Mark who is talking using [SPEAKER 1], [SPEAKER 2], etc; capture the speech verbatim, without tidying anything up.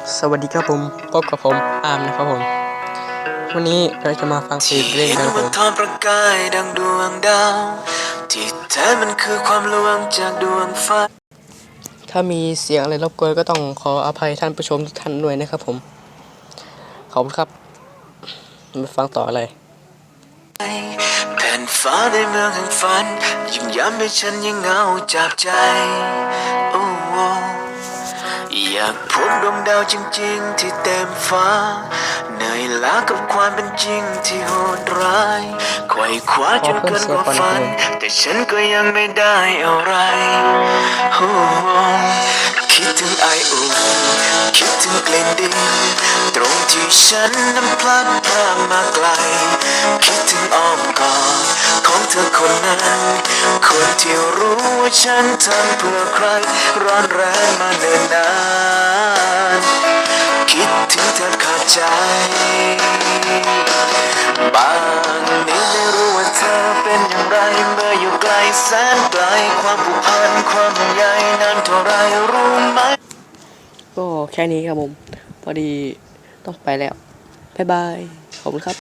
[SPEAKER 1] สวัสดีครับผมพบกับผมอาร์มนะครับผมวันนี้เราจะมาฟังเพลงเล่นกันครับผม
[SPEAKER 2] ทอประกายดังดวงดาวที่แท้มันคือความลวงจากดวงฟ้า
[SPEAKER 1] ถ้ามีเสียงอะไรรบกวนก็ต้องขออภัยท่านผู้ชมทุกท่านด้วยนะครับผมขอบคุณครับมาฟังต่ออะไร
[SPEAKER 2] แผ่นฟ้าในเมืองแห่งฝันยิ่งย้ำให้ฉันยังเหงาจับใจโอ้อยากพบดวงดาวจริงๆที่เต็มฟ้าเหนื่อยล้ากับความเป็นจริงที่โหดร้ายไขว่คว้าจนเกินกว่าฝันแต่ฉันก็ยังไม่ได้อะไรโอ้คิดถึงไออุ่นคิดถึงกลิ่นดินตรงที่ฉันนั้นพลัดพรากมาไกลคิดถึงอ้อมกอดของเธอคนนั้นคนที่รู้ว่าฉันทำเพื่อใครร้อนแรงมาเนิ่นนานคิดถึงเธอขาดใจบางนี้ไม่รู้ว่าเธอเป็นอย่างไรเมื่ออยู่ไกลแสนไกลความผูกพันความห่วงใยนั้นเท่าไรรู้ไหม
[SPEAKER 1] ก็แค่นี้ครับผมพอดีต้องไปแล้วบ๊ายบายขอบคุณครับ